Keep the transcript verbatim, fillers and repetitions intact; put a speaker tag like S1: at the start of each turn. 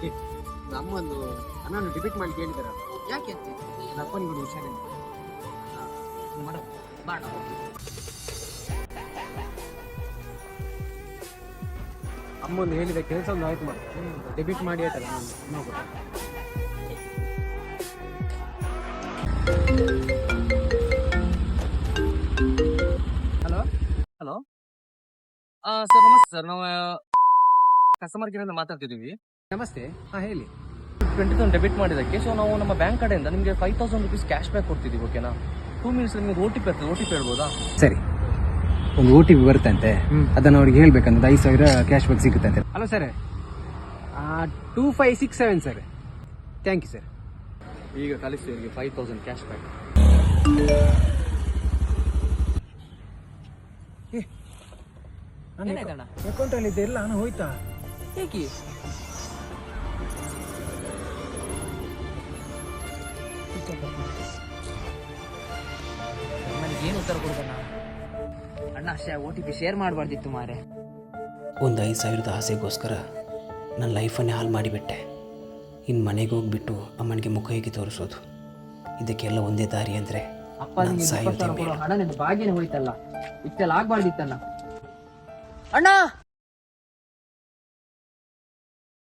S1: ಅಮ್ಮಂದು ಹಣವನ್ನು ಡಿಬಿಟ್ ಮಾಡಿ ಕೇಳಿದಾರ.
S2: ಯಾಕೆ ಅಂತ
S1: ನನ್ನ ಅಪ್ಪನಿಗೆ ಹುಷಾರಿಲ್ಲ.
S2: ಮಾಡ ಬಾಣ
S1: ಅಮ್ಮಂದು ಹೇಳಿದ ಕೆಲಸ ಒಂದು ಆಯ್ತು ಮಾಡಿ ಡೆಬಿಟ್ ಮಾಡಿ ಆಯ್ತಲ್ಲ ನಾನು
S2: ಹಲೋ ಹಲೋ ಸರ್ ನಮಸ್ತೆ ಸರ್, ನಾವು ಕಸ್ಟಮರ್ ಕೇರ್ ಇಂದ ಮಾತಾಡ್ತಿದ್ದೀವಿ.
S1: ನಮಸ್ತೆ. ಹಾಂ ಹೇಳಿ.
S2: ಟ್ವೆಂಟಿ ತೌಸಂಡ್ ಡೆಬಿಟ್ ಮಾಡಿದ್ದಕ್ಕೆ ಸೊ ನಾವು ನಮ್ಮ ಬ್ಯಾಂಕ್ ಕಡೆಯಿಂದ ನಿಮಗೆ five thousand rupees cash back ಕೊಡ್ತಿದ್ದೀವಿ. ಓಕೆನಾ? ಟೂ ಮಿನಿಟ್ಸ್ ನಿಮಗೆ ಓ ಟಿ ಪಿ ಇರ್ತದೆ, ಓ ಟಿ ಪಿ ಹೇಳ್ಬೋದಾ?
S1: ಸರಿ, ಒಂದು ಓ ಟಿ ಪಿ ಬರುತ್ತಂತೆ, ಅದನ್ನು ಅವ್ರಿಗೆ ಹೇಳ್ಬೇಕಂದ್ರೆ ಐದು ಸಾವಿರ ಕ್ಯಾಶ್ ಬ್ಯಾಕ್ ಸಿಗುತ್ತಂತೆ. Hello sir, two five six seven sir. Thank you sir.
S2: ಈಗ ಕಳಿಸ್ತೀವಿ ನಿಮಗೆ ಫೈವ್ ತೌಸಂಡ್ ಕ್ಯಾಶ್ ಬ್ಯಾಕ್. ಏನಾಯ್ತಣ್ಣ?
S1: ಅಕೌಂಟಲ್ಲಿ ಇದೆ ಎಲ್ಲ ಹಣ ಹೋಯ್ತಾ?
S2: ಹೇಗೆ? ನನಗೇನು ಉತ್ತರ ಕೊಡ್ಬೇಡ ಅಣ್ಣ. ಅಷ್ಟೇ ಓ ಟಿ ಪಿ ಶೇರ್ ಮಾಡಬಾರ್ದಿತ್ತು ಮಾರೆ.
S3: ಒಂದು ಐದು ಸಾವಿರದ ಆಸೆಗೋಸ್ಕರ ನನ್ನ ಲೈಫನ್ನೇ ಹಾಳು ಮಾಡಿಬಿಟ್ಟೆ. ಇನ್ನು ಮನೆಗೆ ಹೋಗ್ಬಿಟ್ಟು ಅಮ್ಮನಿಗೆ ಮುಖ ಹೇಗೆ ತೋರಿಸೋದು? ಇದಕ್ಕೆಲ್ಲ ಒಂದೇ ದಾರಿ ಅಂದರೆ
S2: ಅಪ್ಪ ನಿಮ್ಗೆ ಹಣ ನಿನ್ನ ಬಾಗಿನ ಹೋಯ್ತಲ್ಲ, ಇಷ್ಟೆಲ್ಲ ಆಗ್ಬಾರ್ದಿತ್ತಣ್ಣ. ಅಣ್ಣ